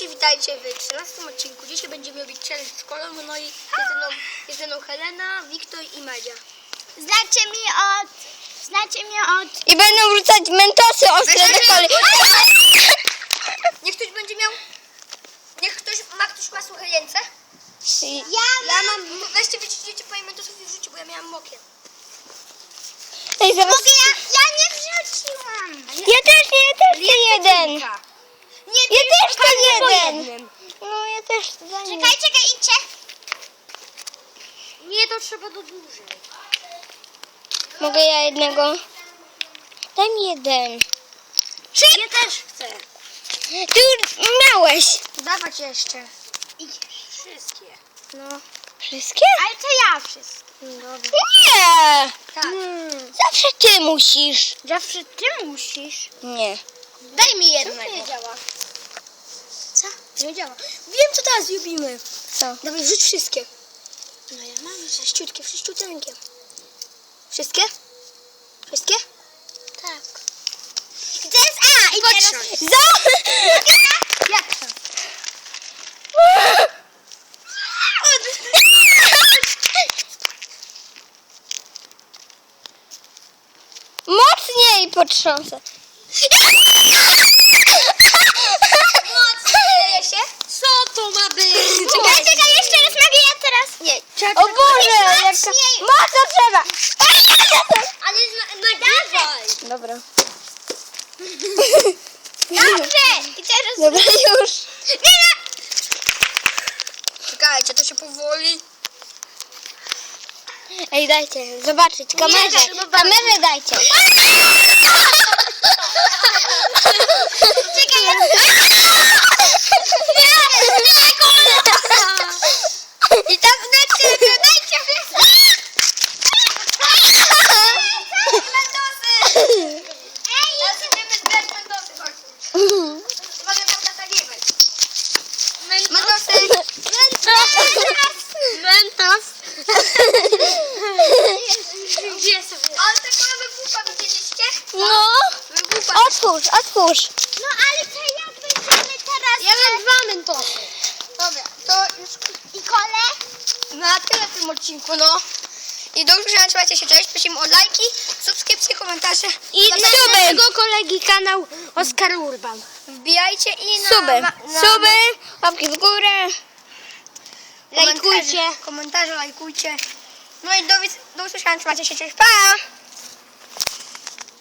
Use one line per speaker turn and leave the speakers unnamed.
Cześć, witajcie w 13 odcinku. Dzisiaj będziemy robić challenge szkolny, no i jest ze mną Helena, Wiktor i Madzia.
Znacie mnie od...
I będą wrzucać mentosy ostre do koli.
Niech ktoś będzie miał... Ktoś ma suche ręce?
Ja
mam... Weźcie, wyciśnijcie po mentosów i wrzućcie, bo ja miałam mokre.
Ej, zaraz...
Ja nie wrzuciłam.
Ja też chcę jeden. Ja też chcę jeden. No ja też za nim.
Czekaj, idźcie.
Nie, to trzeba do dłużej.
Mogę ja jednego? Daj mi jeden.
Ja też chcę.
Ty już miałeś.
Dawać jeszcze. Wszystkie.
No. Wszystkie?
Ale to ja wszystko.
Dobra.
Nie.
Tak.
Zawsze ty musisz.
Zawsze ty musisz.
Nie.
Daj mi jednego.
nie działa?
Co? Nie działa. Wiem, co teraz zrobimy.
Co?
Dawaj, wrzuć wszystkie. No ja mam wszyściuteńkie. Wszystkie? Wszystkie?
Tak. I teraz i teraz...
Jak to?
Mocniej potrząsę.
Leje się? Co to ma być?
Czekaj, jeszcze raz mogę ja teraz.
Nie.
O Boże, jak to... Mocno trzeba.
Ale dawaj.
Dobra.
Dobrze. I teraz...
Dobra, już.
Czekajcie, to się powoli.
Ej, dajcie zobaczyć kamerę.
zobaczyć.
Kamerę dajcie.
Czekaj, ja...
I tam dajcie Teraz idziemy zbierać mentosy, chodźcie. Uwaga, tam natagiwać. Mentosy.
Mentos.
Gdzie sobie? Ale taką wybucha, widzieliście?
No.
Wybucha.
Otwórz.
No ale to jak będziemy teraz...
Ja mam 2 mentosy. Dobra, to już
I kole?
na tyle w tym odcinku, no. I do usłyszenia, trzymajcie się, cześć. Prosimy o lajki, subskrypcje, komentarze.
I
Na
suby.
naszego kolegi kanał Oskar Urban. Wbijajcie i na...
Suby. Łapki w górę.
Lajkujcie. Komentarze lajkujcie. No i do usłyszenia, trzymajcie się, cześć, pa!